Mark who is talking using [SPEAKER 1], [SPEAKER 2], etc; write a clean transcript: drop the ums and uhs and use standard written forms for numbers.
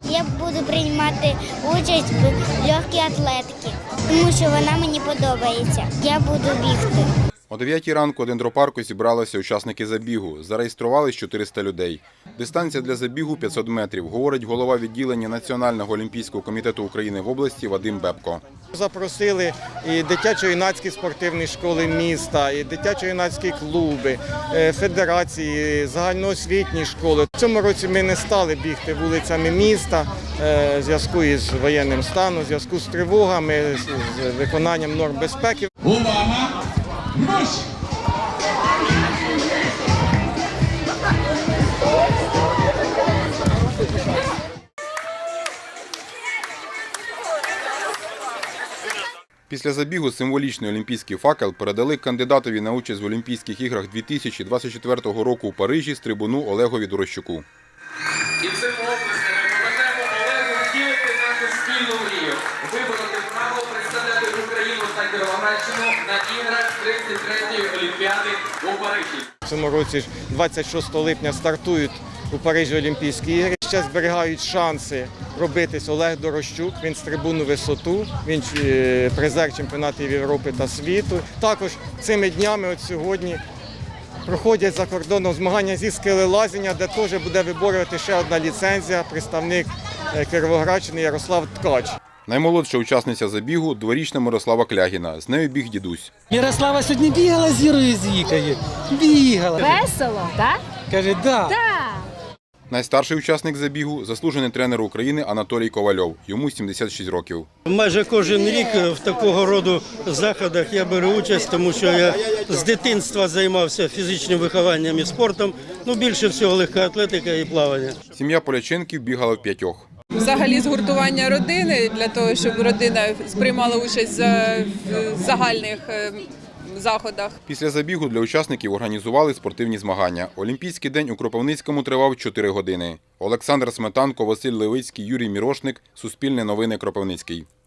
[SPEAKER 1] Я буду приймати участь в легкій атлетиці, тому що вона мені подобається. Я буду бігти.
[SPEAKER 2] О 9 ранку у дендропарку зібралися учасники забігу. Зареєструвались 400 людей. Дистанція для забігу – 500 метрів, говорить голова відділення Національного олімпійського комітету України в області Вадим Бебко.
[SPEAKER 3] Запросили і дитячо-юнацькі спортивні школи міста, і дитячо-юнацькі клуби, федерації, загальноосвітні школи. В цьому році ми не стали бігти вулицями міста в зв'язку із воєнним станом, в зв'язку з тривогами, з виконанням норм безпеки.
[SPEAKER 4] Увага! Марш!
[SPEAKER 2] Після забігу символічний олімпійський факел передали кандидатові на участь в Олімпійських іграх 2024 року у Парижі стрибуну Олегові Дорощуку.
[SPEAKER 5] І цим оплесками поможемо Олегу втілити нашу спільну мрію – вибороти право представляти Україну та Кіровоградщину на іграх 33-ї Олімпіади у Парижі.
[SPEAKER 3] В цьому році 26 липня стартують у Парижі Олімпійські ігри. Ще зберігають шанси пробитись Олег Дорощук. Він стрибун у висоту, він призер чемпіонатів Європи та світу. Також цими днями, от сьогодні, проходять за кордоном змагання зі скелелазіння, де теж буде виборювати ще одна ліцензія представник Кіровоградщини Ярослав Ткач.
[SPEAKER 2] Наймолодша учасниця забігу – дворічна Мирослава Клягіна. З нею біг дідусь.
[SPEAKER 6] Мирослава сьогодні бігала з Ірою Зікою. Бігала.
[SPEAKER 7] Весело, так?
[SPEAKER 6] Каже, да.
[SPEAKER 7] Так.
[SPEAKER 2] Найстарший учасник забігу – заслужений тренер України Анатолій Ковальов. Йому 76 років.
[SPEAKER 8] Майже кожен рік в такого роду заходах я беру участь, тому що я з дитинства займався фізичним вихованням і спортом. Більше всього легка атлетика і плавання.
[SPEAKER 2] Сім'я Поляченків бігала в 5.
[SPEAKER 9] Взагалі згуртування родини, для того, щоб родина сприймала участь в загальних заходах.
[SPEAKER 2] Після забігу для учасників організували спортивні змагання. Олімпійський день у Кропивницькому тривав 4 години. Олександр Сметанко, Василь Левицький, Юрій Мірошник. Суспільне новини, Кропивницький.